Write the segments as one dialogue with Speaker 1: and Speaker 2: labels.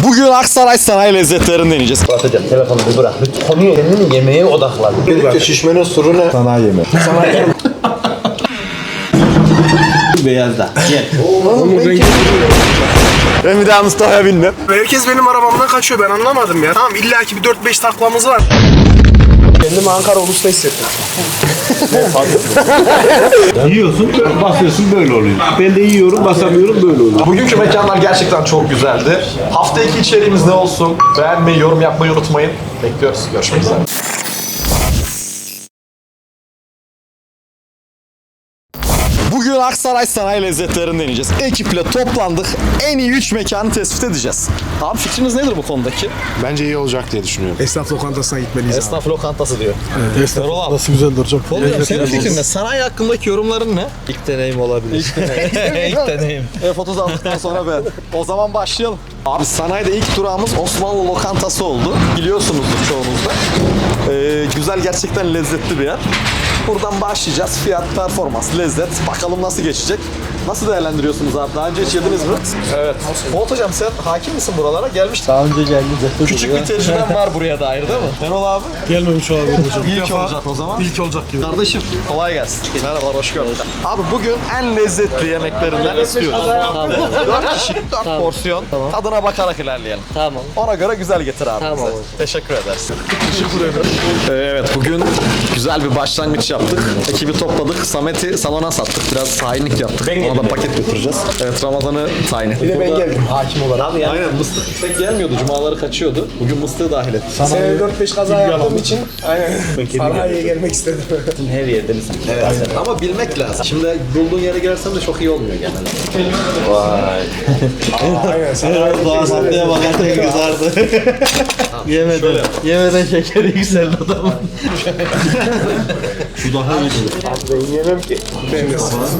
Speaker 1: Bugün Aksaray sanayi lezzetlerini deneyeceğiz.
Speaker 2: Hocam telefonu bir bırak. Konuyu kendini yemeğe odaklan.
Speaker 3: Birlikte şişmenin sırrı ne? Sanayi yemeği.
Speaker 2: Sanayi yemeği. Beyazda. Gel.
Speaker 1: Ben bir daha Mustafa'ya bindim.
Speaker 3: Herkes benim arabamdan kaçıyor, ben anlamadım ya. Tamam, illaki bir 4-5 taklamız var. Kendimi Ankara Ulus'ta hissettim.
Speaker 4: Yiyorsun, basıyorsun böyle oluyor. Ben de yiyorum, basamıyorum böyle oluyor.
Speaker 5: Bugünkü mekanlar gerçekten çok güzeldi. Hafta 2 içeriğimiz ne olsun? Beğenmeyi, yorum yapmayı unutmayın. Bekliyoruz. Görüşmek üzere.
Speaker 1: Bugün Aksaray sanayi lezzetlerini deneyeceğiz. Ekiple toplandık. En iyi 3 mekanı tespit edeceğiz. Abi fikriniz nedir bu konudaki?
Speaker 3: Bence iyi olacak diye düşünüyorum. Esnaf lokantasına gitmeliyiz abi.
Speaker 1: Esnaf lokantası diyor.
Speaker 3: Esnaf lokantası güzeldir hocam.
Speaker 1: Oğlum senin fikrin ne? Sanayi hakkındaki yorumların ne?
Speaker 2: İlk deneyim olabilir. İlk deneyim.
Speaker 1: F30 aldıktan sonra ben. O zaman başlayalım. Abi sanayide ilk durağımız Osmanlı lokantası oldu. Biliyorsunuzdur çoğunuz da. Güzel, gerçekten lezzetli bir yer. Buradan başlayacağız. Fiyat, performans, lezzet. Bakalım nasıl geçecek. Nasıl değerlendiriyorsunuz abi? Daha önce hiç yediniz mi? Evet. Fuat hocam sen hakim misin buralara? Gelmiştin.
Speaker 2: Daha önce geldi.
Speaker 1: Küçük bir tecrüben var buraya dair değil mi? Şenol abi.
Speaker 3: Gelmemiş olabilir hocam.
Speaker 1: İlk olacak o zaman.
Speaker 3: İlk olacak gibi.
Speaker 1: Kardeşim kolay gelsin. Merhabalar, hoş geldin. Abi bugün en lezzetli yemeklerinden istiyoruz. 4 kişi, 4 porsiyon. Tadına bakarak ilerleyelim.
Speaker 2: Tamam.
Speaker 1: Ona göre güzel getir abi
Speaker 2: Tamam
Speaker 1: bize.
Speaker 2: hocam.
Speaker 1: Teşekkür ederiz. Evet, bugün güzel bir başlangıç yaptık. Ekibi topladık. Samet'i salona sattık. Biraz tahinlik yaptık. Ona da paket götüreceğiz. Evet, Ramazan'ı tayin ettik.
Speaker 3: Bir de ben geldim hakim olarak.
Speaker 2: Abi yani
Speaker 1: Aynen, mıstık pek gelmiyordu. Cumaları kaçıyordu. Bugün mıstığı dahil ettik.
Speaker 3: Seneye 4-5 kaza yaptığım için sanayiye gelmek istedim.
Speaker 2: her yerde misin?
Speaker 1: Evet. Ama bilmek lazım. Şimdi bulduğun yere girersen de çok iyi olmuyor genelde.
Speaker 3: Aynen sanayi.
Speaker 2: Doğasatlaya bakarken kızardı. Yemeden. Yemeden şekeri yükseldi adamın.
Speaker 4: Şu daha iyi.
Speaker 3: Ben yemem ki. Ben de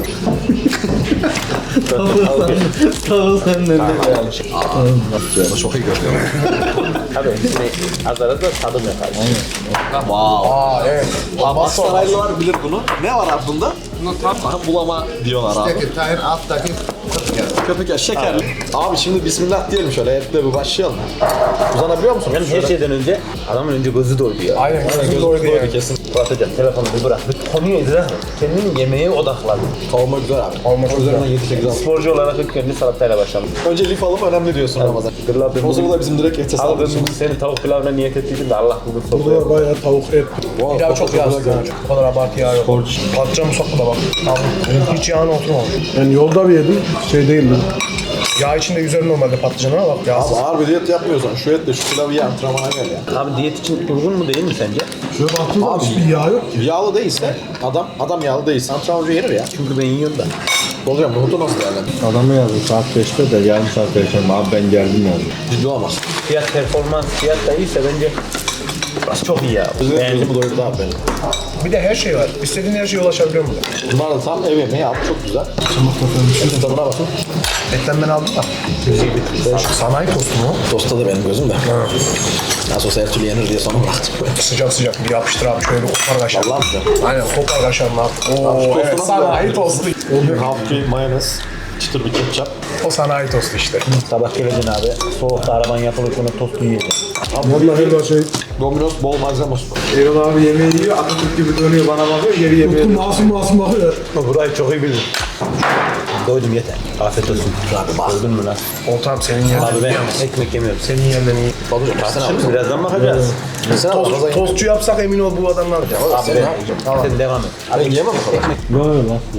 Speaker 2: Tavuğu senden de.
Speaker 1: Çok iyi görünüyor.
Speaker 2: Tabii. Azar azar tadım yapar.
Speaker 3: Aa evet.
Speaker 1: Abi Aksaraylılar bilir bunu. Ne var abi bunda? Bulama diyorlar abi.
Speaker 3: Tahir alttaki
Speaker 1: Köpük yaş şekerli. Abi şimdi bismillah diyelim şöyle. Etle bir başlayalım. Uzanabiliyor musun?
Speaker 2: Yani her şeyden önce adamın önce gözü doydu ya.
Speaker 3: Aynen gözüm doydu yani.
Speaker 1: Kesin.
Speaker 2: Fuat hocam telefonu bir bırak. Konuyu idrak et. Kendini yemeğe odaklan.
Speaker 1: Kavurma güzel abi.
Speaker 3: Kavurma çok
Speaker 1: Üzerinden 7-8 al.
Speaker 2: Sporcu olarak ilk önce salatayla başladım.
Speaker 1: Önce lif alıp önemli diyorsun Ramazan. O zaman da bizim direkt ete
Speaker 2: Abi
Speaker 1: sağlıyorsun.
Speaker 2: ben bugün senin tavuk pilavına niyet ettiydim de Allah bugün
Speaker 3: Burada
Speaker 2: sofraya.
Speaker 3: var bayağı tavuk et. Pilav çok yağsız yani. O kadar abartı yağ yok. Patlıcan musaklı da bak. Abi hiç yağına oturmamış.
Speaker 6: Ben yolda bir yedim, şey değildi.
Speaker 3: Yağ içinde yüzer normalde patlıcan ama bak yağsız.
Speaker 1: Abi ağır bir diyet yapmıyorsan şu etle şu pilavı ye, antrenmana gel ya.
Speaker 2: Abi diyet için uygun mu değil mi sence?
Speaker 6: Şöyle baktığım zaman hiçbir yağ yok ki.
Speaker 1: Yağlı değilse adam yağlı değilse antrenmanca yenir ya.
Speaker 2: Çünkü ben yiyorum da.
Speaker 1: Hocam nohutu nasıl değerlendirir?
Speaker 4: Adamı yazdı saat 5'te de yarım saat erken abi ben geldim yazdı.
Speaker 1: Ciddi olamaz.
Speaker 2: Fiyat performans fiyat da iyiyse bence burası çok iyi ya.
Speaker 1: Gözümü doyurdu abi benim.
Speaker 3: Bir de her şey var. İstediğin her şeye ulaşabiliyor musun?
Speaker 1: Bunlar da tam ev yemeği abi, çok güzel. Şimdi tadına bakın.
Speaker 3: Etten ben aldım da. Sanayi tostu mu?
Speaker 1: Tosta da benim gözüm de. Nasıl olsa her türlü yenir diye sonra bıraktım.
Speaker 3: Sıcak sıcak bir yapıştır abi şöyle bir kopar kaşar.
Speaker 1: Allah'ım ya.
Speaker 3: Aynen kopar kaşarını at. Oo
Speaker 1: tostu
Speaker 3: evet
Speaker 1: nasıl
Speaker 3: sanayi tostu.
Speaker 1: Hafif mayonez, çıtır bir ketçap.
Speaker 3: O sanayi tostu işte.
Speaker 2: Sabah geleceksin abi. Soğukta araban yapılırken o tostu yiyeceksin.
Speaker 6: Vallahi her şey.
Speaker 1: Domino's bol malzeme olsun.
Speaker 6: Erol abi yemeği yiyor, Atatürk gibi dönüyor bana bakıyor, geri yemeği. Masum bakıyor.
Speaker 2: Burayı çok iyi bilirim. Doydum yeter. Afiyet olsun. Abi bak. Doydun mu lan?
Speaker 3: Oltam senin yerine.
Speaker 2: Abi ben ekmek yemiyorum.
Speaker 3: Senin yerine iyi.
Speaker 2: Şimdi birazdan bakacağız.
Speaker 3: Tostçu yapsak emin ol bu adamlar.
Speaker 2: Abi sen devam et.
Speaker 1: Abi yiyemem o kadar.
Speaker 4: Böyle lan.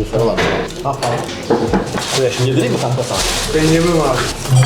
Speaker 2: Şuraya şimdi
Speaker 1: Yedireyim mi kanka sana?
Speaker 6: Ben yemem abi.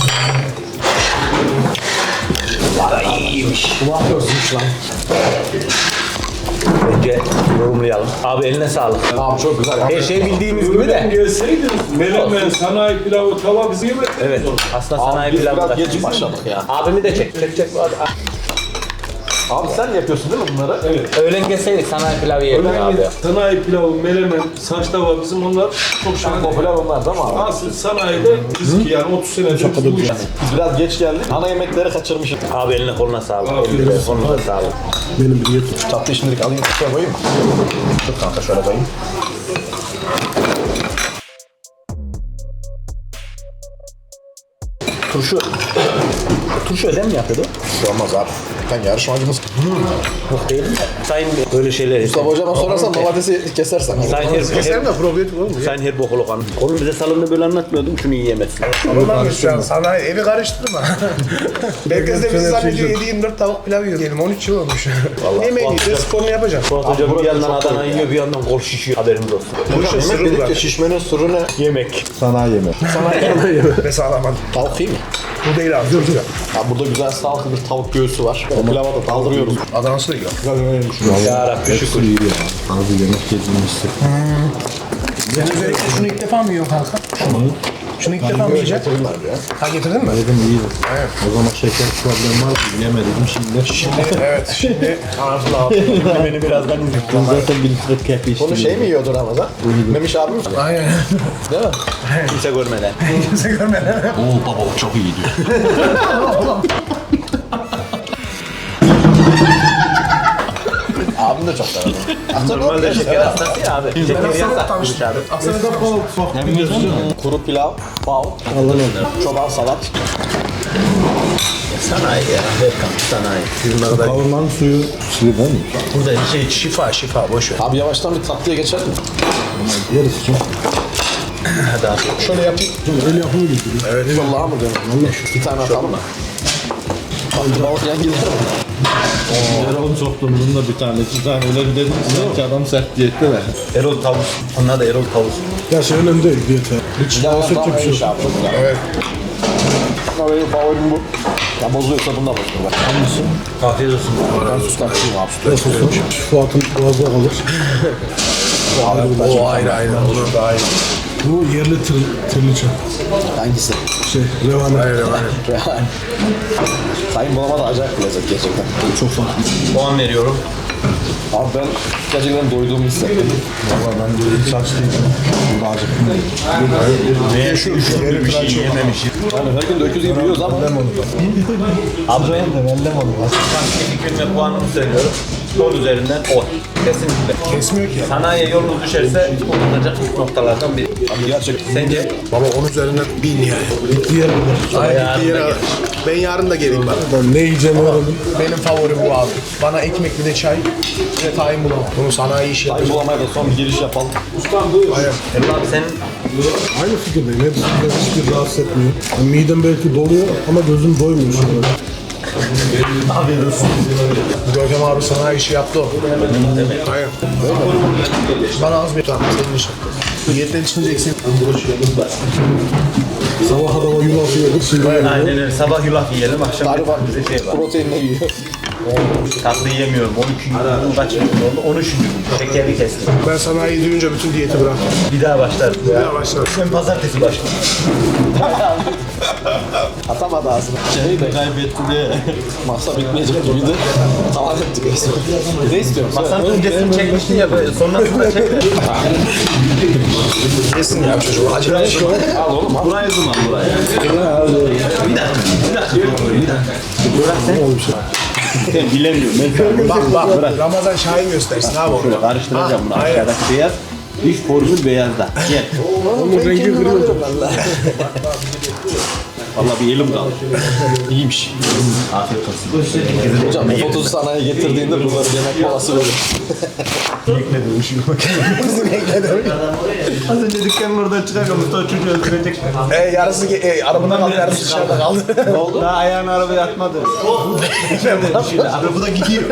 Speaker 2: önce yorumlayalım. Abi eline sağlık.
Speaker 1: Abi çok güzel.
Speaker 2: Her şey bildiğimiz gibi de.
Speaker 7: Gelseydiniz menemen, sanayi pilavı, tava bizi yemediniz.
Speaker 2: Evet. Aslında
Speaker 1: Abi
Speaker 2: sanayi
Speaker 1: biz
Speaker 2: pilavı
Speaker 1: biraz
Speaker 2: da.
Speaker 1: geç başladık ya.
Speaker 2: Abimi de çek. Çek.
Speaker 1: Abi sen yapıyorsun değil mi bunları?
Speaker 7: Evet.
Speaker 2: Öğlen gelseydik sanayi pilavı yerdik abi.
Speaker 7: Sanayi pilavı, menemen, saç tava bizim onlar çok şahane.
Speaker 1: Popüler onlar değil mi abi?
Speaker 7: Asıl sanayide biz ki yani 30 senedir bu iş.
Speaker 1: Biz biraz geç geldik. Ana yemekleri kaçırmışız.
Speaker 2: Abi eline koluna sağlık.
Speaker 7: Afiyet
Speaker 2: Eline
Speaker 7: olsun.
Speaker 2: koluna sağlık.
Speaker 6: Benim bir yetim.
Speaker 1: Tatlıyı şimdilik alayım. Şöyle koyayım mı? Dur kanka şöyle koyayım.
Speaker 2: Turşu ödem mi yapıyordu?
Speaker 3: Olmaz abi. Sen yarışmacımız.
Speaker 2: Yok değil mi? Sayın böyle şeyler.
Speaker 3: Mustafa hocama sorarsan domatesi kesersen.
Speaker 2: Sayın
Speaker 3: de probiyotik olur mu?
Speaker 2: Sayın her bok olukan. Oğlum bize salonda böyle anlatmıyordum. Şunu yiyemezsin.
Speaker 3: Anlamış şu an. Sana evi karıştırma. Herkes de bizi zannediyor 7-24 tavuk pilav yiyor. Diyelim 13 yıl olmuş. Yemeğini yiyeceğiz, sporunu yapacağız.
Speaker 2: Fuat hocam bir yandan Adana yiyor, bir yandan kol şişiyor. Haberiniz olsun.
Speaker 3: Bu işin sırrı
Speaker 1: Dedik
Speaker 3: var.
Speaker 1: ya şişmenin sırrı ne?
Speaker 2: Yemek.
Speaker 1: Sanayi yemeği.
Speaker 3: Ve sağlamadım.
Speaker 1: Tavuk iyi mi?
Speaker 3: Bu değil abi. Dur.
Speaker 1: Ya burada güzel sağlıklı bir tavuk göğsü var. O pilava da daldırıyoruz.
Speaker 3: Adanası da yiyor.
Speaker 2: Ya Rabbi şükür.
Speaker 4: Abi yemek yediğimizde.
Speaker 3: Sen özellikle şunu ilk defa mı yiyorsun kanka? Şunu ilk defa mı yiyeceksin? Ha getirdin mi?
Speaker 4: Yedim iyiydi. Evet. O zaman şeker problemi vardı. Yemedim şimdi.
Speaker 3: Evet şimdi ağzına aldım.
Speaker 2: Beni birazdan izledim.
Speaker 4: Ben zaten bir litre kepi içtim.
Speaker 1: Bunu şey mi yiyordu Ramazan? Memiş abi mi?
Speaker 3: Aynen.
Speaker 1: Değil mi?
Speaker 2: Kimse görmeden.
Speaker 3: Kimse görmedi.
Speaker 4: Oo baba o çok iyi diyor.
Speaker 1: Abim de çok sever.
Speaker 2: Normalde şeker hastası ya abi. Şeker yasak.
Speaker 3: Aslında
Speaker 1: Kuru pilav, bal, çoban salat.
Speaker 2: Sanayi ya. Berkan sanayi. Bunlara da
Speaker 4: Kavurmanın suyu suyu değil mi?
Speaker 2: burada şey şifa boş ver.
Speaker 1: Abi yavaştan bir tatlıya geçelim mi?
Speaker 4: Yeriz çok.
Speaker 2: Hadi abi.
Speaker 3: şöyle yapayım.
Speaker 4: El yapımı getiriyor.
Speaker 1: Evet. Vallahi mı diyorum? Vallahi. Bir tane atalım mı? Balık yan gider mi?
Speaker 4: Erol'un soktuğumuzun da bir tane iki tane öyle bir dedim ki adam sert diyette de.
Speaker 2: Erol tavus. Onlar da Erol tavus.
Speaker 6: Ya şey önemli değil diyete.
Speaker 1: Hiç daha sonra bir şey yapalım.
Speaker 3: Evet.
Speaker 1: Ama benim favorim bu. Ya bozuyorsa bunu da bozulur.
Speaker 2: Afiyet olsun.
Speaker 1: Ben sustakçıyım abi.
Speaker 6: Fuat'ın boğazda kalır.
Speaker 3: O ayrı. Olur da ayrı.
Speaker 6: Bu yerli tırlıca.
Speaker 1: Hangisi?
Speaker 6: Şey, revane.
Speaker 1: Yani. Sayın bulamadı acayip bir lezzet gerçekten.
Speaker 6: Çok farklı.
Speaker 2: Puan veriyorum.
Speaker 1: Abi ben gerçekten doyduğumu hissettim.
Speaker 6: Valla ben de saç değil. Burada acıktım.
Speaker 2: Ve şu bir şey yememişim.
Speaker 1: Yani her gün de öküz gibi yiyoruz ama.
Speaker 2: Abi ben fikrim ve puanımı söylüyorum. 10 üzerinden 10. Kesinlikle.
Speaker 3: Kesmiyor ki.
Speaker 2: Sanayiye yolunuz düşerse unutulacak ilk noktalardan biri.
Speaker 1: Abi gerçekten.
Speaker 2: Sence?
Speaker 3: Baba 10 üzerinden 1000 yani.
Speaker 6: Diğer
Speaker 3: Aynen. Ben yarın da geleyim bak.
Speaker 6: ben ne yiyeceğimi öğrendim.
Speaker 3: Benim favorim bu abi. Bana ekmek bir de çay. Bir de tayin bulamam. Bunu sanayi işi
Speaker 1: Sayın
Speaker 3: yapacağım.
Speaker 1: bulamaya da son bir giriş yapalım.
Speaker 3: Aynen.
Speaker 2: Erol abi senin
Speaker 6: Aynı fikirdeyim. Hepsi hiçbir rahatsız etmiyor. Yani midem belki doluyor ama gözüm doymuyor.
Speaker 3: Görkem abi sanayi işi yaptı o. Aynen. Bana az bir tane senin için. Niyetten çıkınca eksik.
Speaker 6: Sabah adama yulaf yiyorduk. Şimdi
Speaker 2: aynen öyle. Sabah yulaf yiyelim, akşam
Speaker 1: Galiba
Speaker 2: bize şey var.
Speaker 1: proteinle yiyor.
Speaker 2: Tatlı yiyemiyorum. 12 gün kaç gün oldu? 13 gün. Şekeri kestim.
Speaker 3: Ben sanayi duyunca bütün diyeti bıraktım.
Speaker 2: Bir daha başlarım.
Speaker 3: Ya başlar.
Speaker 2: Ben pazartesi başlarım.
Speaker 1: Atamadı ağzına. Şeyi de kaybetti diye. Masa bitmeyecek gibiydi. Tamam ettik. Ne istiyorsun?
Speaker 2: Masanın öncesini çekmiştin ya böyle sonrasında çek.
Speaker 3: Yesin ya çocuk. Acı şey.
Speaker 1: Al oğlum al.
Speaker 2: Buraya zoom al buraya. Bir dakika. Bırak sen. Bilemiyorum. Ben
Speaker 3: Bak Ramazan Şahin göstersin abi onu.
Speaker 2: karıştıracağım bunu. Aşağıdaki beyaz. Diş formül beyazda. Gel.
Speaker 6: onun rengi kırıyor.
Speaker 2: Vallahi bir elim kaldı.
Speaker 1: İyiymiş.
Speaker 2: Afiyet olsun.
Speaker 1: Hocam bu fotosu sanayiye getirdiğinde bunları yemek molası verir.
Speaker 2: Az önce dükkanın oradan çıkarken Mustafa çocuğu öldürecek.
Speaker 3: Yarısı arabada kaldı, yarısı dışarıda kaldı.
Speaker 2: Ne oldu? Daha ayağını arabaya atmadı. Şimdi arabada gidiyor.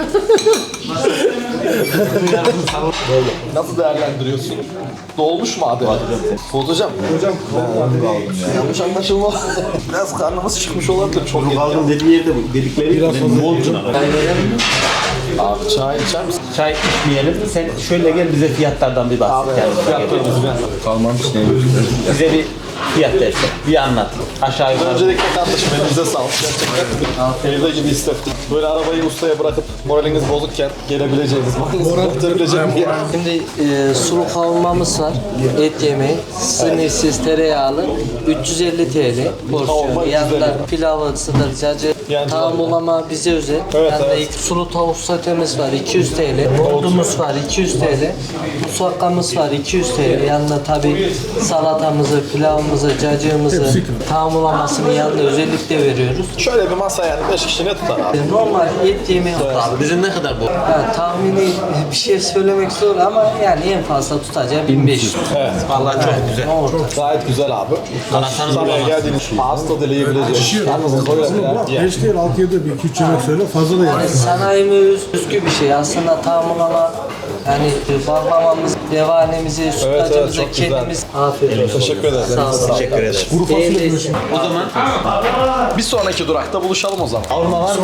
Speaker 1: Nasıl değerlendiriyorsun? Dolmuş mu abi? Fuat hocam. Hocam yanlış anlaşılma. Biraz karnımız çıkmış olabilir. Çok yedik.
Speaker 2: Kaldığım dediği yerde dedikleri biraz ne oldu?
Speaker 1: Abi çay içer misin?
Speaker 2: Çay içmeyelim. Sen şöyle gel bize fiyatlardan bir bahset.
Speaker 1: Abi fiyatları düzgün.
Speaker 4: Kalmamış ne?
Speaker 2: Bize bir fiyat derse. Bir anlat. Aşağı yukarı.
Speaker 1: Öncelikle kardeşim elinize sağlık. Gerçekten evde gibi hissettim. Böyle arabayı ustaya bırakıp moraliniz bozukken gelebileceğiniz, moralinizi bozulabileceğiniz bir yer.
Speaker 8: Şimdi sulu kavurmamız var, et yemeği, sınırsız tereyağlı, 350 TL
Speaker 1: Kavurma
Speaker 8: porsiyon.
Speaker 1: 350.
Speaker 8: Yanında pilavı, sıdır, cacı,
Speaker 1: Yani
Speaker 8: tamulama bize özel.
Speaker 1: Evet,
Speaker 8: Yanında
Speaker 1: evet.
Speaker 8: sulu tavuk satemiz var, 200 TL. Yoğurdumuz var, 200 TL. Musakkamız var, 200 TL. Yanında tabii salatamızı, pilavımızı Kıymasımızı, cacığımızı, tahamlamasını yanında özellikle veriyoruz.
Speaker 1: Şöyle bir masa yani 5 kişi ne tutar abi?
Speaker 8: Normal et yemeği abi.
Speaker 2: Bizim ne kadar bu?
Speaker 8: Yani tahmini bir şey söylemek zor ama yani en fazla tutacağı 1500.
Speaker 1: Evet.
Speaker 2: Vallahi çok güzel.
Speaker 1: Gayet güzel abi. Sana geldiğiniz ağız tadı dileyebileceğiz. Yalnız koyalım ya.
Speaker 6: Beş değil 6-7 bir 2-3 yemek söyle fazla da
Speaker 8: Yani
Speaker 6: yani.
Speaker 8: sanayimiz özgü bir şey. Aslında tahamlama yani baklavamız, devanemizi, sütlacımızı
Speaker 1: çok güzel.
Speaker 8: kendimiz afiyet olsun.
Speaker 1: Teşekkür ederiz.
Speaker 8: Sağ olun.
Speaker 2: Teşekkür ederiz.
Speaker 6: Kuru fasulye
Speaker 8: Beğendiyseniz-
Speaker 2: O zaman
Speaker 1: Bir sonraki durakta buluşalım o zaman. Avrupa var mı?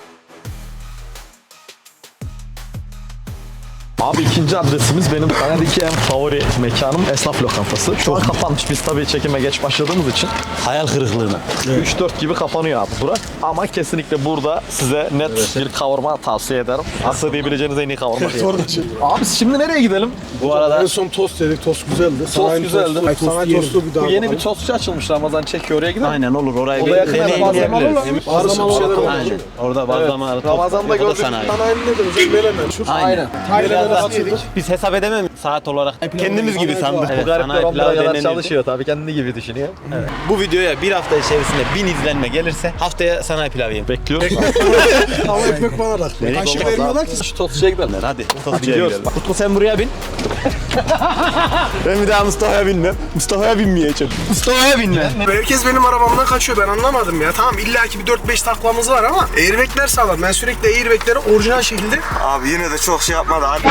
Speaker 1: Abi ikinci adresimiz benim Kanada'daki en favori mekanım esnaf lokantası. Şu an kapanmış. Biz tabii çekime geç başladığımız için
Speaker 2: hayal kırıklığına.
Speaker 1: 3-4 gibi kapanıyor abi bura. Ama kesinlikle burada size net bir kavurma tavsiye ederim. Aslında diyebileceğiniz en iyi kavurma diye. Abi şimdi nereye gidelim?
Speaker 2: Bu arada
Speaker 6: En son tost yedik, tost güzeldi. Sanayi
Speaker 1: güzeldi.
Speaker 6: Tostu, sanayi tostu bir daha
Speaker 1: Bu yeni bir
Speaker 6: bakalım.
Speaker 1: tostçu açılmış, Ramazan çekiyor, oraya gidelim.
Speaker 2: aynen olur orayı
Speaker 1: O da
Speaker 2: bir
Speaker 1: yakın
Speaker 2: deneyimleyebiliriz.
Speaker 6: Bazlamalı şeyler oldu.
Speaker 2: Aynen. Orada bazlamalı
Speaker 1: Ramazan'da
Speaker 2: o da
Speaker 1: gördük.
Speaker 2: sanayi.
Speaker 6: Sanayinin ne demek? Menemen. Şu
Speaker 2: Aynen.
Speaker 6: Tayland'a
Speaker 2: Biraz
Speaker 6: açıldık.
Speaker 2: biz hesap edemem saat olarak. Kendimiz gibi sandık.
Speaker 1: Bu
Speaker 2: Evet,
Speaker 1: garipler
Speaker 2: sanayi
Speaker 1: 10
Speaker 2: pilavı
Speaker 1: lira kadar
Speaker 2: denenirdi.
Speaker 1: çalışıyor tabii, kendi gibi düşünüyor.
Speaker 2: Bu videoya bir hafta içerisinde 1000 izlenme gelirse haftaya sanayi pilavı yiyelim.
Speaker 1: Bekliyoruz.
Speaker 6: Ama ekmek bana da. Kaşık vermiyorlar ki.
Speaker 1: Şu tostçuya gidelim.
Speaker 2: Hadi.
Speaker 1: Gidiyoruz.
Speaker 2: Utku sen buraya bin. Ben bir daha Mustafa'ya binmem. Mustafa'ya binmeyeceğim. Mustafa'ya binme.
Speaker 3: Herkes benim arabamdan kaçıyor, ben anlamadım ya. Tamam illaki bir 4-5 taklamız var ama airbagler sağlam. Ben sürekli airbagleri orijinal şekilde...
Speaker 9: Abi yine de çok şey yapmadı abi.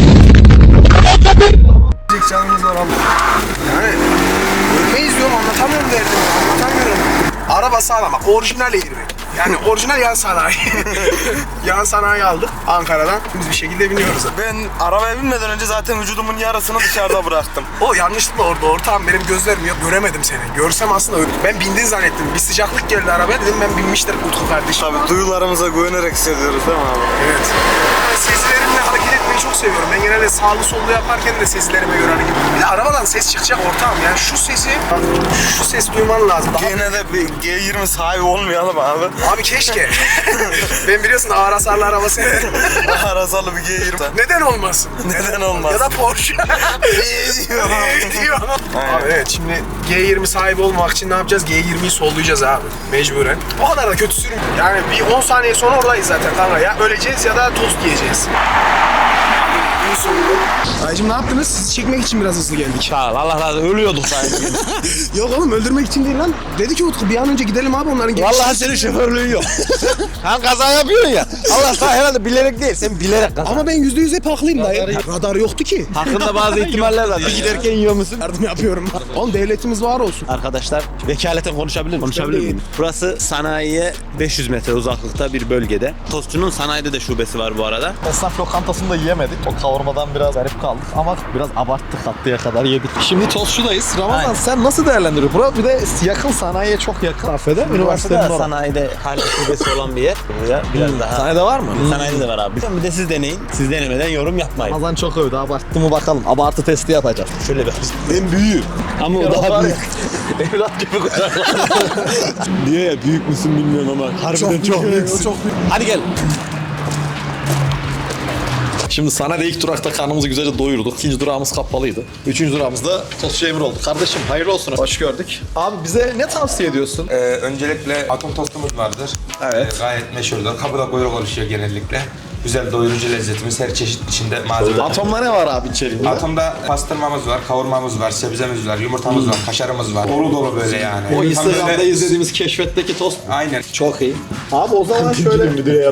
Speaker 3: Canımız var abi. Yani ölmeyiz diyorum, anlatamıyorum derdimi, anlatamıyorum. Araba sağlam bak, orijinal airbag. Yani orijinal yan sanayi. Yan sanayi aldık Ankara'dan. Biz bir şekilde biniyoruz.
Speaker 9: Ben arabaya binmeden önce zaten vücudumun yarısını dışarıda bıraktım.
Speaker 3: O yanlışlıkla orada ortağım, benim gözlerim yok, göremedim seni. Görsem aslında ben bindin zannettim. Bir sıcaklık geldi arabaya, dedim ben binmiştir Utku kardeşim.
Speaker 9: Tabii duyularımıza güvenerek hissediyoruz değil mi abi?
Speaker 3: Evet. Ben sezilerimle hareket etmeyi çok seviyorum. Ben genelde sağlı sollu yaparken de sezilerime göre hareket ediyorum. Bir de arabadan ses çıkacak ortağım. Yani şu ses duyman lazım. Daha...
Speaker 9: Gene de bir G20 sahibi olmayalım abi.
Speaker 3: Abi keşke. Ben biliyorsun ağır hasarlı araba severim.
Speaker 9: Arasalı bir G20.
Speaker 3: Neden olmasın?
Speaker 9: Neden olmaz?
Speaker 3: Ya da Porsche. Diyor. Abi evet, şimdi G20 sahibi olmak için ne yapacağız? G20'yi sollayacağız abi. Mecburen. O kadar da kötü sürüm. Yani bir 10 saniye sonra oradayız zaten kanka ya. Öleceğiz ya da tost yiyeceğiz. Aycım ne yaptınız? Sizi çekmek için biraz hızlı geldik.
Speaker 2: Sağ ol. Allah razı olsun. Ölüyorduk sanki.
Speaker 3: Yok oğlum, öldürmek için değil lan. Dedi ki Utku bir an önce gidelim abi, onların
Speaker 2: Vallahi senin şoförlüğün yok. Sen kaza yapıyorsun ya. Allah sana herhalde bilerek değil. Sen bilerek kaza.
Speaker 3: Ama ben %100 hep haklıyım dayı. Radar yoktu ki.
Speaker 2: Hakkında bazı ihtimaller var. Bir giderken yiyor musun?
Speaker 3: Yardım yapıyorum. Oğlum devletimiz var olsun.
Speaker 2: Arkadaşlar vekaleten konuşabilir miyim? Konuşabilir miyim? Burası sanayiye 500 metre uzaklıkta bir bölgede. Tostçunun sanayide de şubesi var bu arada.
Speaker 1: Esnaf lokantasında yiyemedik. O kavurmadan biraz garip kaldık ama biraz abarttık, tatlıya kadar yedik. Şimdi tostçudayız. Ramazan
Speaker 2: Aynen.
Speaker 1: sen nasıl değerlendiriyorsun? Bura bir de yakın, sanayiye çok yakın. Kafede üniversitenin orada.
Speaker 2: Sanayide hala şubesi olan bir yer. Buraya biraz daha.
Speaker 1: Sanayide var mı?
Speaker 2: Sanayide de var abi. Bir de siz deneyin. Siz denemeden yorum yapmayın.
Speaker 1: Ramazan çok övdü. Abarttı mı bakalım. Abartı testi yapacağız.
Speaker 2: Şöyle bir. En büyüğü. Ama o daha büyük.
Speaker 1: Evlat gibi kucaklar.
Speaker 2: Diyor ya büyük müsün bilmiyorum ama harbiden çok büyüksün. Hadi gel.
Speaker 1: Şimdi sanayide ilk durakta karnımızı güzelce doyurduk. İkinci durağımız kapalıydı. Üçüncü durağımızda tostçu Emir oldu. Kardeşim hayırlı olsun. Hoş gördük. Abi bize ne tavsiye ediyorsun?
Speaker 10: Öncelikle atom tostumuz vardır.
Speaker 1: Evet.
Speaker 10: Gayet meşhurdur. Kapıda kuyruk oluşuyor genellikle. Güzel doyurucu lezzetimiz, her çeşit içinde malzeme.
Speaker 1: Atomda ne var abi içeriğinde?
Speaker 10: Atomda pastırmamız var, kavurmamız var, sebzemiz var, yumurtamız var, kaşarımız var. Dolu dolu böyle yani.
Speaker 1: O
Speaker 10: Tam
Speaker 1: Instagram'da
Speaker 10: böyle-
Speaker 1: izlediğimiz keşfetteki tost.
Speaker 10: Aynen.
Speaker 1: Çok iyi. Abi o zaman şöyle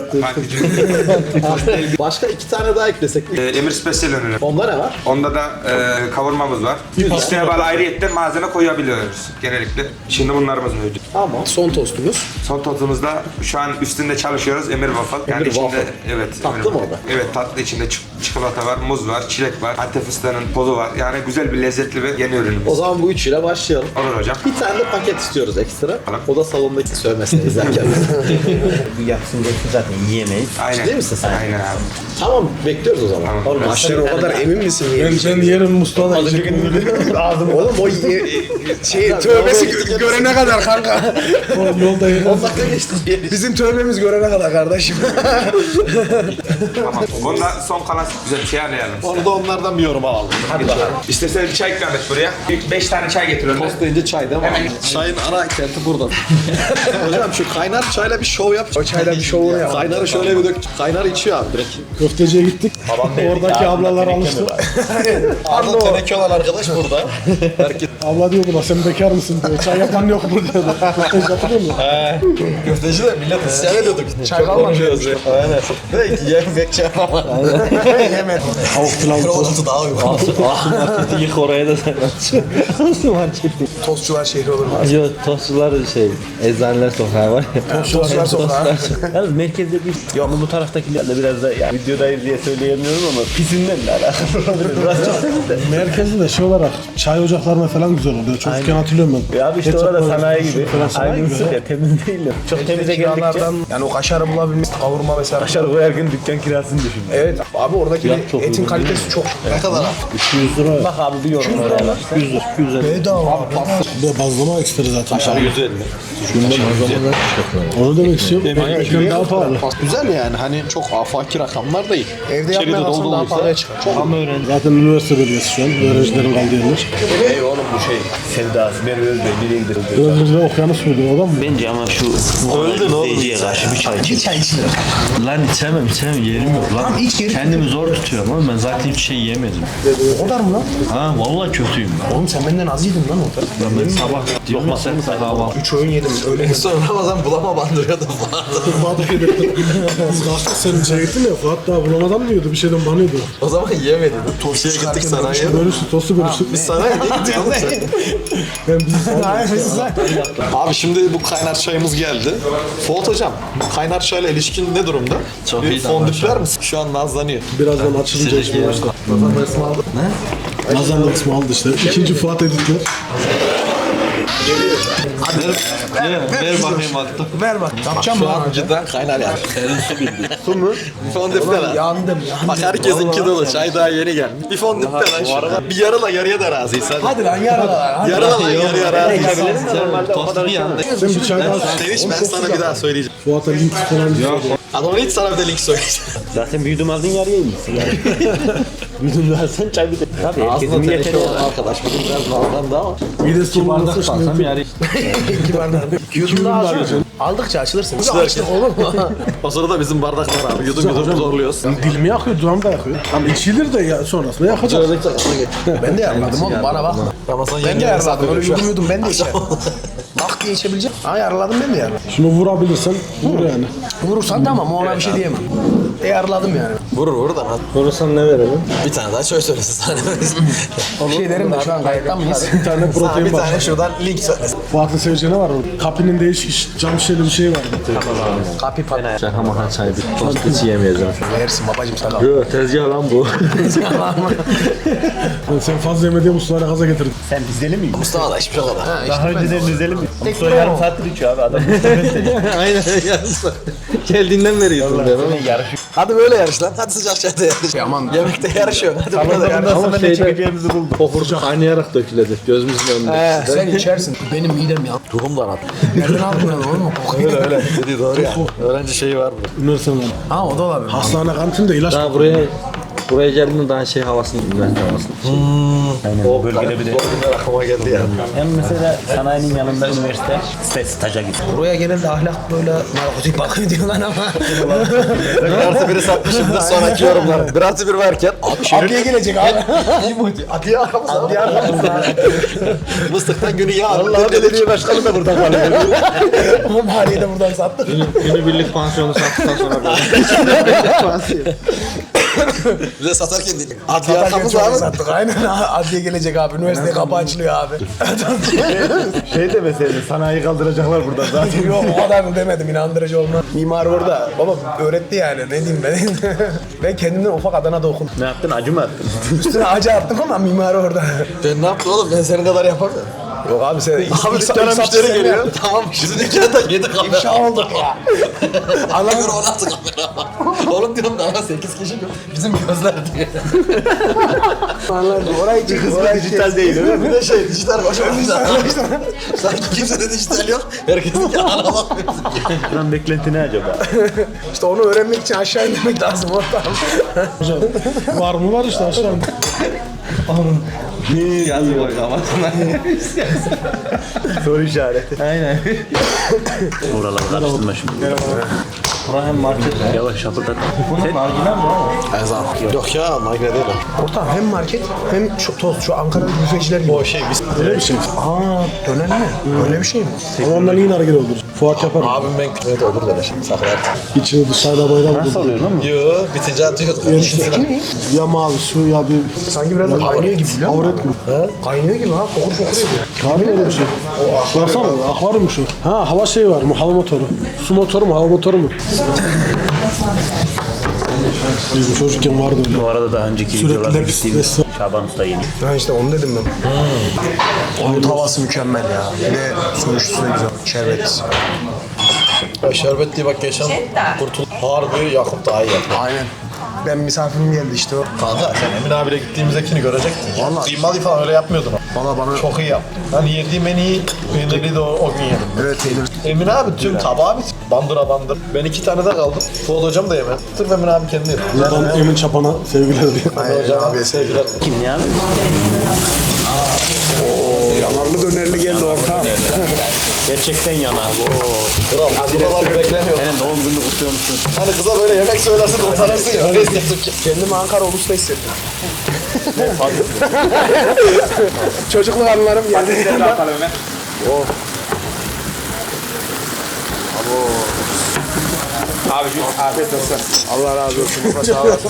Speaker 10: Bak,
Speaker 1: başka 2 tane daha eklesek.
Speaker 10: Emir Special ürünü.
Speaker 1: Onda ne var?
Speaker 10: Onda da kavurmamız var. İsteğe bağlı ayrıyetten malzeme koyabiliyoruz genellikle. Şimdi bunlarımız mevcut.
Speaker 1: Tamam.
Speaker 3: Son tostumuz.
Speaker 10: Son tostumuzda şu an üstünde çalışıyoruz Emir Waffle. Yani
Speaker 1: Emir
Speaker 10: içinde
Speaker 1: Waffle.
Speaker 10: evet.
Speaker 1: Tatlı
Speaker 10: Emir
Speaker 1: mı
Speaker 10: Waffle.
Speaker 1: o da?
Speaker 10: Evet, tatlı, içinde çikolata var, muz var, çilek var, Antep fıstığının tozu var. Yani güzel bir lezzetli ve yeni ürünümüz.
Speaker 1: O zaman bu üçüyle başlayalım.
Speaker 10: Olur hocam.
Speaker 1: Bir tane de paket istiyoruz ekstra.
Speaker 10: Tamam.
Speaker 1: O da salondaki sövmesini izlerken.
Speaker 2: Yapsın geçsin zaten yiyemeyiz.
Speaker 10: Aynen.
Speaker 1: Ciddi misin sen?
Speaker 10: Aynen abi.
Speaker 1: Tamam, bekliyoruz o zaman.
Speaker 10: Tamam.
Speaker 1: Oğlum,
Speaker 3: Sen o kadar emin misin?
Speaker 6: Ben yerim Mustafa.
Speaker 3: Oğlum o tövbesi görene kadar kanka.
Speaker 6: Yolda yerim.
Speaker 1: 10 dakika geçti.
Speaker 3: Bizim tövbemiz görene kadar kardeşim.
Speaker 10: Tamam. Bunda son kalan Güzel bir şey arayalım.
Speaker 1: Onu da onlardan bir yorum alalım.
Speaker 10: Hadi bakalım. İstersen bir çay ikram et buraya. 5 tane çay getiriyorum.
Speaker 1: Tost deyince çay değil mi? Çayın ana kenti burada. Hocam şu kaynar çayla bir şov yap.
Speaker 3: O çayla bir şovunu yap.
Speaker 1: Kaynarı şöyle bir dök. Kaynar içiyor abi direkt.
Speaker 6: Köfteciye gittik. Oradaki ablalar alıştı.
Speaker 1: Arda teneke olan arkadaş burada. Herkes
Speaker 6: Abla diyor buna sen bekar mısın diyor. Çay yapan yok mu diyordu. Köfteci hatırlıyor musun?
Speaker 1: köfteci de millet isyan ediyorduk.
Speaker 3: Çay kalmadı.
Speaker 1: Aynen. Direkt yemek çay ama.
Speaker 3: Yemedim.
Speaker 6: Tavuk pilavı.
Speaker 1: Oldu daha uygun.
Speaker 8: Marketi yık oraya da sen aç. Nasıl marketi?
Speaker 3: Tostçular şehri olur mu?
Speaker 8: Yok tostçular şey, eczaneler sokağı var ya.
Speaker 3: Tostçular sokağı.
Speaker 8: Yalnız merkezde bir, yok bu taraftakiler de biraz da yani videodayız diye söyleyemiyorum ama pisinden de alakalı olabilir. Burası çok temiz de.
Speaker 6: Merkezde de şey olarak çay ocaklarına falan güzel oluyor. Çocukken hatırlıyorum ben.
Speaker 8: Ya abi işte
Speaker 6: Ketçap
Speaker 8: orada
Speaker 6: böyle
Speaker 8: sanayi gibi.
Speaker 6: falan sanayi gibi.
Speaker 8: Aynısı ya temiz değil de. Çok temize geldikçe.
Speaker 3: Kiralardan yani o kaşarı bulabilmek, kavurma mesela.
Speaker 8: Kaşar koyarken dükkan kirasını düşün.
Speaker 3: Evet abi oradaki
Speaker 8: Fiyat çok
Speaker 3: etin
Speaker 8: uygun
Speaker 3: kalitesi çok.
Speaker 1: Ne kadar?
Speaker 6: 200 lira.
Speaker 8: Bak abi bir yorum oraya bak.
Speaker 6: 100 lira. 250.
Speaker 3: Bedava.
Speaker 6: Bir de bazlama ekstra zaten.
Speaker 1: Aşağı 150.
Speaker 6: Onu demek istiyorum. Ekran daha pahalı.
Speaker 1: Güzel yani hani çok afaki rakamlar değil.
Speaker 3: Evde
Speaker 1: İçeride
Speaker 3: yapmaya kalksan daha
Speaker 1: doldurulursa-
Speaker 3: pahalıya çıkar.
Speaker 6: Zaten üniversite bölgesi şu an. Öğrencilerin kaldığı yerler.
Speaker 2: Ey oğlum bu şey. Sevdası Merve Özbey nereye gidiyor?
Speaker 6: Öğrenciler okyanus muydu adam mı?
Speaker 8: Bence ama şu öldün oğlum. Karşı bir çay için.
Speaker 3: Bir çay içilir.
Speaker 11: Lan içemem yerim yok lan. Kendimi zor tutuyorum ama ben zaten hiçbir şey yemedim.
Speaker 3: O kadar mı lan?
Speaker 11: Ha vallahi kötüyüm ben.
Speaker 3: Oğlum sen benden az yedin lan orada.
Speaker 11: Ben sabah diyorum ya sen kahvaltı.
Speaker 3: 3 öğün yedim öyle.
Speaker 1: Sonra Ramazan bulama bandırıyordu falan.
Speaker 6: Fuat'a yedirdim. Biz kalktık senin içeri gittin ya. Fuat daha bulamadan diyordu. Bir şeyden banıyordu.
Speaker 1: O zaman yemedin. Tostiye gittik sanayiye.
Speaker 6: Bölüştük, tostu bölüştük.
Speaker 1: Biz sanayiye gittik oğlum sen.
Speaker 6: Ben bizi
Speaker 1: Abi şimdi bu kaynar çayımız geldi. Fuat hocam, bu kaynar çayla ilişkin ne durumda?
Speaker 11: Çok
Speaker 1: bir
Speaker 11: iyi
Speaker 1: fondüpler misin? Şu an nazlanıyor.
Speaker 6: birazdan açılınca içmeye başladı. Nazan da kısmı aldı işte. İkinci Fuat editler.
Speaker 11: Ver bakayım attım.
Speaker 3: Ver bak. Yapacağım
Speaker 1: Şu
Speaker 3: mı?
Speaker 1: an cidden kaynar yani. Su mu? Fondüpler lan.
Speaker 3: Yandım.
Speaker 1: Bak herkesinki dolu. Çay daha yeni gelmiş. Bir fondüpler lan şu. Bir yarıla yarıya da razıyız hadi.
Speaker 3: Hadi lan yarala lan.
Speaker 1: Yarıla lan yarıya razıyız.
Speaker 11: Tost bir yanda.
Speaker 6: Sen bir çay daha
Speaker 1: Sevinç ben sana bir daha söyleyeceğim.
Speaker 6: Fuat'a link falan diyor.
Speaker 1: Adamın hiç sana bir de link söyleyeceğim.
Speaker 8: Zaten büyüdüm aldın yarıya inmişsin yani. Büyüdüm versen çay bir de. Tabii herkesin
Speaker 1: Aslında
Speaker 8: bir yeteri
Speaker 1: teneke
Speaker 8: var.
Speaker 1: olan arkadaş. Bugün biraz nazlandı ama.
Speaker 6: Midesi dolu olursa
Speaker 11: Kalsam
Speaker 6: şimdi
Speaker 11: yani.
Speaker 3: İki bardak. Yudum daha açıyor. Aldıkça açılırsın. Açtık olur mu?
Speaker 1: O sırada bizim bardaklar abi. Yudum yudum zorluyoruz.
Speaker 6: dilimi yakıyor, dudağım da yakıyor. Ama içilir de ya, sonrasında yakacak.
Speaker 3: Ben de yaraladım oğlum bana bak.
Speaker 1: Ramazan
Speaker 3: Ben de
Speaker 1: yenge
Speaker 3: yaraladım. Öyle yudum yudum ben de içerim. Bak diye içebileceğim. Ha yaraladım ben de yaraladım.
Speaker 6: Şunu vurabilirsen vur yani.
Speaker 3: Vurursan tamam ona bir şey diyemem. Yaraladım yani.
Speaker 1: Vurur da.
Speaker 8: Vurursan ne verelim?
Speaker 1: Bir tane daha şöyle söylesin sana.
Speaker 3: Bir şey derim de şu an kayıttan mıyız?
Speaker 6: Bir tane
Speaker 1: Sana
Speaker 6: protein
Speaker 1: bir
Speaker 6: var.
Speaker 1: tane şuradan link söylesin.
Speaker 6: Fuat'ın seveceğine var o. Kapının değişik cam şişeli bir şey vardı.
Speaker 3: Kapi pat.
Speaker 11: Şaka maka çay bir tost hiç yemeyeceğim.
Speaker 3: Versin babacım sana.
Speaker 11: Yok tezgah lan bu.
Speaker 6: Sen fazla yeme diye Mustafa'yla gaza getirdin.
Speaker 8: Sen Rizeli miydin?
Speaker 1: Mustafa da hiçbir şey kadar.
Speaker 8: Daha önceden Rizeli mi?
Speaker 3: Tek
Speaker 8: Mustafa yarım saattir içiyor abi adam.
Speaker 1: Aynen yarışlar. Geldiğinden beri yudum ben oğlum. Hadi böyle yarış lan. Hadi sıcak çayda yarış.
Speaker 3: Aman.
Speaker 1: Yemekte yarışıyor. Hadi burada yarış.
Speaker 11: Ama çekeceğimizi bulduk. Kokurcu kaynayarak dökülecek gözümüzün önünde.
Speaker 3: Sen içersin. Benim midem ya.
Speaker 1: Ruhum da rahat.
Speaker 3: Nereden aldın lan oğlum?
Speaker 1: Öyle öyle. Dediği doğru ya. Öğrenci şeyi var burada.
Speaker 6: Üniversiteden.
Speaker 3: Ha o da olabilir.
Speaker 6: Hastane kantinde ilaç
Speaker 11: Daha buraya geldiğinde daha şey havasını, üniversite havasını.
Speaker 8: O bölgede bir de.
Speaker 1: Aklıma geldi ya.
Speaker 8: Hem mesela sanayinin yanında üniversite staja git.
Speaker 3: Buraya genelde ahlak böyle narkotik bakıyor diyorlar ama.
Speaker 1: Artı biri satmışımdır sonraki yorumlar. Bir artı bir varken.
Speaker 3: Adliye gelecek abi.
Speaker 1: Adliye arkamız abi. Adliye arkamız Mıstıktan günü yağ.
Speaker 3: Allah belediye başkanı da buradan kalıyor. Ama mahalleye de buradan sattı.
Speaker 11: Günübirlik pansiyonu sattıktan sonra
Speaker 1: Bize satarken değil. Adliye
Speaker 3: Satarken
Speaker 1: arkamız
Speaker 3: çok
Speaker 1: abi.
Speaker 3: sattık. Aynen adliye gelecek abi. Üniversite kapı açılıyor abi.
Speaker 8: Şey demeseydin sanayi kaldıracaklar buradan zaten.
Speaker 3: Yok o kadar mı demedim inandırıcı olmaz. Mimar orada. Baba öğretti yani ne diyeyim ben. Ben kendimden ufak Adana'da okudum.
Speaker 8: Ne yaptın acı mı attın?
Speaker 3: Üstüne acı attım ama mimar orada.
Speaker 1: Ben ne yaptım oğlum? Ben senin kadar yapamıyorum.
Speaker 3: Yok abi sen...
Speaker 1: Abi dükkana müşteri geliyor. Tamam şimdi dükkana da 7 kamera.
Speaker 3: İfşa olduk ya.
Speaker 1: Anlamıyorum o nasıl kamera. Oğlum diyorum da 8 kişi bizim gözler diye.
Speaker 3: Anladım. Orayı çek.
Speaker 4: Dijital değil öyle mi?
Speaker 1: Bir de şey dijital başımızda. Sanki kimsede dijital yok. Herkesin ki ana bakmıyor.
Speaker 4: Lan beklenti ne acaba?
Speaker 3: İşte onu öğrenmek için aşağı inmek lazım ortam.
Speaker 6: Var mı var işte aşağıda.
Speaker 11: Yazı bak kafasına.
Speaker 4: Soru işareti.
Speaker 11: Aynen.
Speaker 4: Oraları karıştırma şimdi.
Speaker 11: Bura hem market.
Speaker 4: Yavaş şapırdat.
Speaker 11: Bunun marjinal mi abi?
Speaker 1: Ezan. Yok ya market değil o.
Speaker 3: Ortam hem market hem şu tost, şu Ankara büfeciler gibi.
Speaker 1: O şey biz...
Speaker 6: Öyle bir şey.
Speaker 3: Aa, döner mi? Öyle bir şey mi?
Speaker 6: Ama ondan iyi hareket olur. Fuat yaparım.
Speaker 1: Abim ben kütüphede olur böyle şey. Sakın artık.
Speaker 6: İçini dışarıda bayram olur.
Speaker 11: Oluyor lan mı?
Speaker 1: Yo bitince atıyor.
Speaker 6: Ya mavi su ya bir...
Speaker 3: Sanki biraz da kaynıyor gibi biliyor musun?
Speaker 6: Avret gibi.
Speaker 3: Kaynıyor gibi ha. Fokur fokur ediyor.
Speaker 6: Abi öyle bir şey. Baksana akvaryum şu. Ha hava şeyi var mı? Hava motoru. Su motoru mu? Hava motoru mu? Bizim çocukken vardı öyle.
Speaker 4: Bu arada daha önceki
Speaker 6: Sürekli
Speaker 4: videolarda
Speaker 6: de
Speaker 4: gittiğimiz
Speaker 6: stres.
Speaker 4: Şaban Usta yeni.
Speaker 3: Ha işte onu dedim ben. Onun havası mükemmel ya. Bir de sonuçta güzel. Şerbet.
Speaker 1: Ya şerbetli bak geçen kurtul. Harbi Yakup daha iyi yaptı.
Speaker 3: Aynen. Ben misafirim geldi işte o.
Speaker 1: Kanka sen Emin abiyle gittiğimizdekini görecektin ya.
Speaker 3: Vallahi.
Speaker 1: Kıymalı falan öyle yapmıyordun.
Speaker 3: Valla bana...
Speaker 1: Çok iyi yaptı. Ben yediğim en iyi peynirli de o gün yedim.
Speaker 3: Evet peynir.
Speaker 1: Emin abi tüm tabağı bit. Bandıra bandır. Ben 2 tane de kaldım. Fuat hocam da yemedi. Sırf Emin abi kendi yedi.
Speaker 6: Buradan Emin Çapan'a sevgiler diyor.
Speaker 3: Aynen
Speaker 1: Hocam
Speaker 3: abi.
Speaker 1: abi sevgiler.
Speaker 4: Kim ya?
Speaker 3: Yanarlı dönerli geldi ortam.
Speaker 4: Gerçekten yanar.
Speaker 1: Kral buralar beklemiyor.
Speaker 4: Senin doğum gününü kutluyormuşsun.
Speaker 1: Hani kıza böyle yemek söylersin utanırsın ya. Öyle istedim ki.
Speaker 3: Kendimi Ankara Ulus'ta hissettim. Çocukluk anılarım geldi.
Speaker 10: Abicim afiyet olsun.
Speaker 3: Allah razı olsun. Sağ olasın.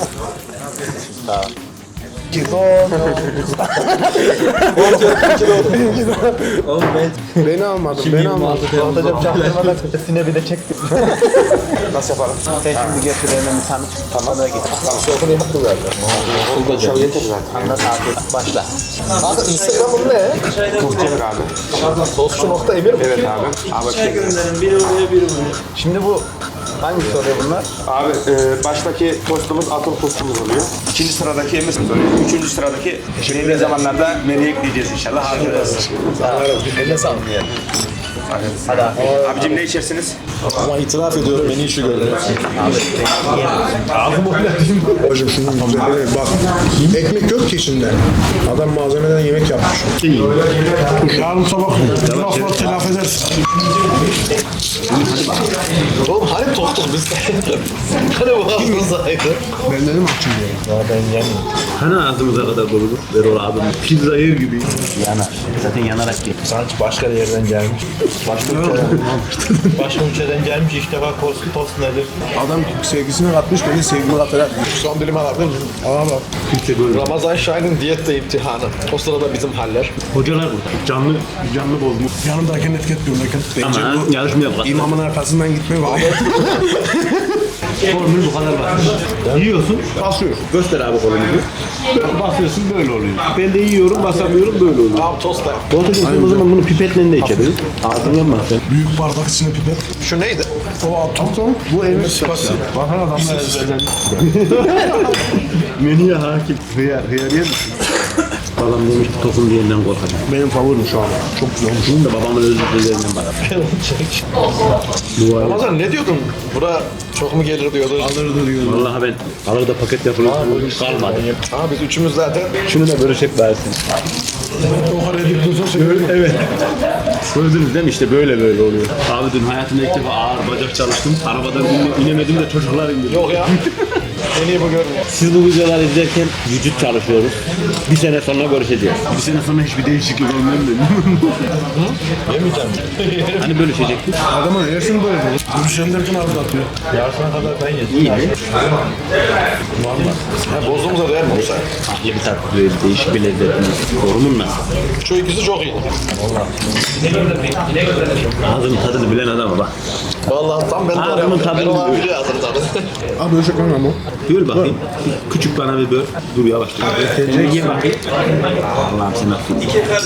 Speaker 3: Beni almadın, beni almadın.
Speaker 1: Hocam çaktırmadan sesine bir de çektim. Nasıl yapalım?
Speaker 4: Sen şimdi getir hemen bir tanıt. Tamam da git.
Speaker 1: Sokunu yaptı zaten.
Speaker 4: Olacak. Yeter zaten. Anlat afiyet. Başla.
Speaker 1: Kanka Instagram'ın ne?
Speaker 10: Muhtemel abi.
Speaker 1: Tostçu.emir mi?
Speaker 10: Evet abi. Abi
Speaker 1: Şimdi bu hangi soruyor bunlar?
Speaker 10: Abi baştaki tostumuz atıl tostumuz oluyor. İkinci sıradaki emir oluyor. Üçüncü sıradaki belirli zamanlarda menüye ekleyeceğiz inşallah. Harcayacağız.
Speaker 1: Eline sağlık.
Speaker 10: Hadi abicim ne içersiniz?
Speaker 1: Ama itiraf ediyorum beni işi gördü.
Speaker 3: Hocam şunun güzelliğine bak. Ekmek yok ki içinde. Adam malzemeden yemek yapmış.
Speaker 6: Yarın sabah bu lafları telafi edersin.
Speaker 1: Oğlum hani tostuk biz? Hani bu ağzımızdaydı?
Speaker 3: Ben dedim açım diye.
Speaker 1: Ya ben yemeyeyim.
Speaker 4: Hani ağzımıza kadar doludur? Ver ol abim. Pizza yer gibi. Yanar. Zaten yanarak ye.
Speaker 11: Sanki başka yerden gelmiş. Başka ülkeden gelmiş ilk defa tost nedir?
Speaker 3: Adam sevgisini katmış, beni sevgimi katarak.
Speaker 1: Son dilim alabilir miyim?
Speaker 3: Aa bak.
Speaker 1: Ramazan Şahin'in diyette imtihanı. O sırada bizim haller.
Speaker 4: Hocalar burada. Canlı bozmuş.
Speaker 3: Yanımdayken etiketliyorlarken.
Speaker 4: Ama yarışma yapalım.
Speaker 3: İmamın arkasından gitme var.
Speaker 4: Formül bu kadar basit. Yiyorsun, basıyorsun. Göster abi kolunu. Basıyorsun böyle oluyor. Ben de yiyorum, basamıyorum böyle oluyor.
Speaker 1: Tamam tost da.
Speaker 4: Hocam sen o zaman bunu pipetle de içebiliriz. Ağzını yanmaz sen.
Speaker 6: Büyük bardak içine pipet.
Speaker 1: Şu neydi?
Speaker 6: O atom. Bu evin sıpası.
Speaker 4: Bakın adamlar ezberden. Menüye hakim. Hıyar yer misin? Babam demiş ki tokum diyenden korkacak.
Speaker 3: Benim favorim şu an. Çok güzel olmuş.
Speaker 4: Bunun da babamın özürlerinden bana.
Speaker 1: Ramazan ne diyordun? Bura çok mu gelir diyordu.
Speaker 3: Alırdı diyor.
Speaker 4: Vallahi ben alır da paket yapılır kalmadı.
Speaker 1: Ha biz üçümüz zaten.
Speaker 4: Şunu da bölüşecek versin.
Speaker 6: O kadar edip dursa
Speaker 4: Evet. Gördünüz değil mi? İşte böyle oluyor. Abi dün hayatımda ilk defa ağır bacak çalıştım. Arabadan inemedim de çocuklar indi.
Speaker 1: Yok ya. En iyi bu görünüyor.
Speaker 4: Siz bu videoları izlerken vücut çalışıyoruz. Bir sene sonra görüşeceğiz. Bir sene sonra hiçbir değişiklik olmuyor mu?
Speaker 1: Yemeyeceğim.
Speaker 4: Hani bölüşecektik?
Speaker 3: Adamın yersin böyle.
Speaker 6: Gülşen derken ağzı atıyor.
Speaker 11: Yarısına kadar ben yedim.
Speaker 4: İyi mi?
Speaker 1: Ha, bozduğumuza değer mi olsa?
Speaker 4: Farklı bir tat, böyle değişik bir lezzet. Yorumun nasıl?
Speaker 1: Şu ikisi çok iyi.
Speaker 4: Ağzının tadını bilen adama bak.
Speaker 1: Vallahi tam ben de
Speaker 2: Ağzımın
Speaker 1: arıyorum.
Speaker 2: tadını
Speaker 1: Ben o
Speaker 2: biliyorum.
Speaker 1: biliyor hazır tadı.
Speaker 6: Abi ölecek lan ama.
Speaker 2: Böl bakayım. Küçük bana bir böl. Dur yavaş. Ye bakayım. Allah'ım sen affet.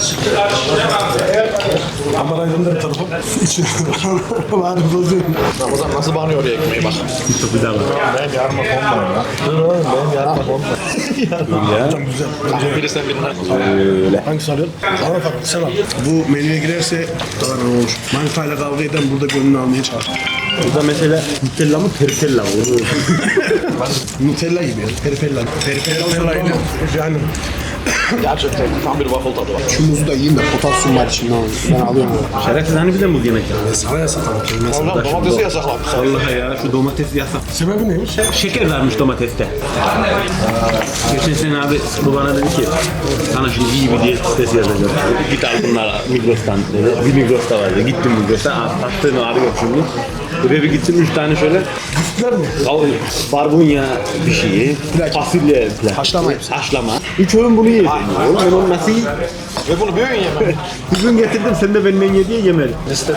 Speaker 6: Kamerayı da bir tarafa. İçine. Var bozuyor.
Speaker 1: Ramazan nasıl banıyor oraya ekmeği bak.
Speaker 2: Çok güzel var.
Speaker 1: Benim yarma konma ya. Benim yarma konma.
Speaker 6: Hocam güzel.
Speaker 1: Biri sen birini.
Speaker 6: Hangisi alıyorsun? Bana farklı sen al. Bu menüye girerse daha ne olur. Manitayla kavga eden burada gönlünü almaya çalışır.
Speaker 2: Burada mesela Nutella mı Pertella mı?
Speaker 6: Nutella gibi ya. Peripella. Peripella ile yani.
Speaker 1: Gerçekten tam bir waffle tadı var.
Speaker 6: Şu muzu da yiyeyim de potasyum var içinde. Ben alıyorum onu.
Speaker 2: Şerefsiz hani bir de muz yemek ya.
Speaker 6: Sana yasak ama.
Speaker 1: Ondan domatesi yasaklamış.
Speaker 2: Vallahi ya şu domates yasak.
Speaker 6: Sebebi neymiş?
Speaker 2: Şeker varmış domateste. Geçen sene abi bu bana dedi ki sana şimdi iyi bir diyet listesi yazacağım. Git al bunları Migros'tan dedi. Bir Migros'ta vardı. Gittim Migros'a. Attığını arıyor şimdi. Buraya bir gittim 3 tane şöyle. Barbunya bir şeyi. Fasulye.
Speaker 6: Haşlama.
Speaker 2: Haşlama. 3 öğün bunu yiyeceğim. Oğlum ben onu nasıl yiyeyim?
Speaker 1: Ve bunu bir öğün yemem.
Speaker 2: Bugün getirdim sen de benden ye diye yemedim.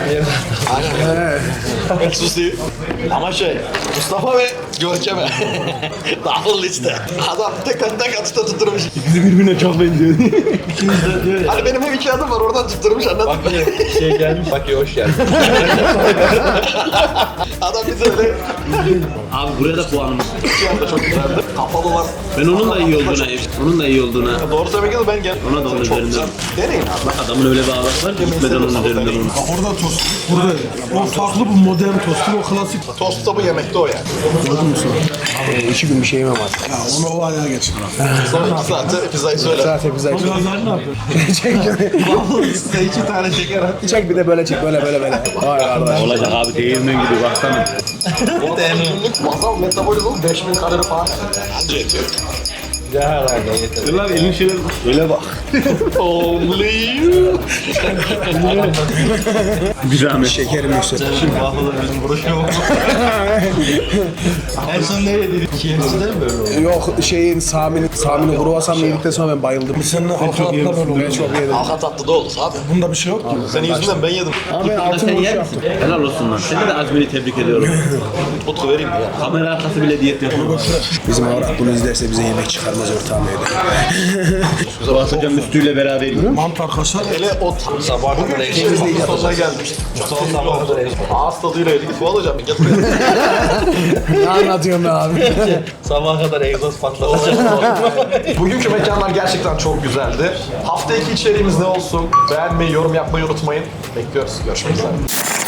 Speaker 1: Ben susayım. Ama Mustafa ve Görkem'e. Dağıl liste. Adam tek atışta tutturmuş.
Speaker 2: İkisi birbirine çok benziyor.
Speaker 1: Hani benim hem 2 adım var oradan tutturmuş anladın mı?
Speaker 10: Şey gelmiş. Bak hoş geldin.
Speaker 1: Adam bize öyle
Speaker 2: Abi buraya da puanımız.
Speaker 1: 2 anda çok güzeldi. Kapalılar.
Speaker 2: Ben onun da iyi olduğuna,
Speaker 1: Doğru söylemek lazım ben gel.
Speaker 2: ona da onun
Speaker 1: Çok
Speaker 2: üzerinden.
Speaker 1: güzel. Deneyin abi.
Speaker 2: Adamın öyle bir ağabey var ki gitmeden onun üzerinden onu.
Speaker 6: Orada tost. Burada. O farklı bu modern tostu. O klasik.
Speaker 1: Tost tabu yemekte o yani.
Speaker 6: Gördün mü sen? 2 gün bir şey yemem artık. Ya onu o ayağa geç.
Speaker 1: Sonra 2 saatte pizzayı söyle.
Speaker 6: Zaten güzel.
Speaker 7: Birazlar ne yapıyor?
Speaker 1: Size 2 tane şeker at.
Speaker 6: Çek bir de böyle çek. Böyle. Vay arkadaş.
Speaker 2: Olacak abi değirmen gibi baksana.
Speaker 1: Günlük masal metabolizm 5000 kalori falan. Anca yetiyor.
Speaker 2: Dur lan elin şöyle öyle bak.
Speaker 1: Only you.
Speaker 2: Bir zahmet.
Speaker 6: Şekerim yüksek.
Speaker 1: Şimdi waffle'ın bizim buruşu yok. En son ne yedik? KFC'de mi böyle oldu?
Speaker 6: Yok Sami'nin kruvasanını yedikten sonra ben bayıldım. Senin halka atla böyle oldu. Ben çok yedim.
Speaker 1: Halka tatlı da olur abi.
Speaker 6: Bunda bir şey yok ki.
Speaker 1: Senin yüzünden ben yedim.
Speaker 6: Ama ben altın
Speaker 2: Sen
Speaker 6: boş
Speaker 2: yer
Speaker 6: yaptım.
Speaker 2: misin? Helal olsun lan. Seni de azmini tebrik ediyorum.
Speaker 1: Utku vereyim mi ya?
Speaker 2: Kamera arkası bile diyet yapıyor.
Speaker 6: Bizim avrat bunu izlerse bize yemek çıkarmaz ortağım evde.
Speaker 2: Fuat hocam üstüyle beraber yiyor.
Speaker 6: Mantar kaşar.
Speaker 1: Hele o sabah bugün ekşimizin sonuna gelmiştik. Ağız tadıyla yedik. Fuat hocam bir gel buraya.
Speaker 6: Ne anlatıyorsun be abi?
Speaker 1: Sabaha kadar egzoz patlatacak. Bugünkü mekanlar gerçekten çok güzeldi. Hafta 2 içeriğimiz ne olsun? Beğenmeyi, yorum yapmayı unutmayın. Bekliyoruz. Görüşmek üzere.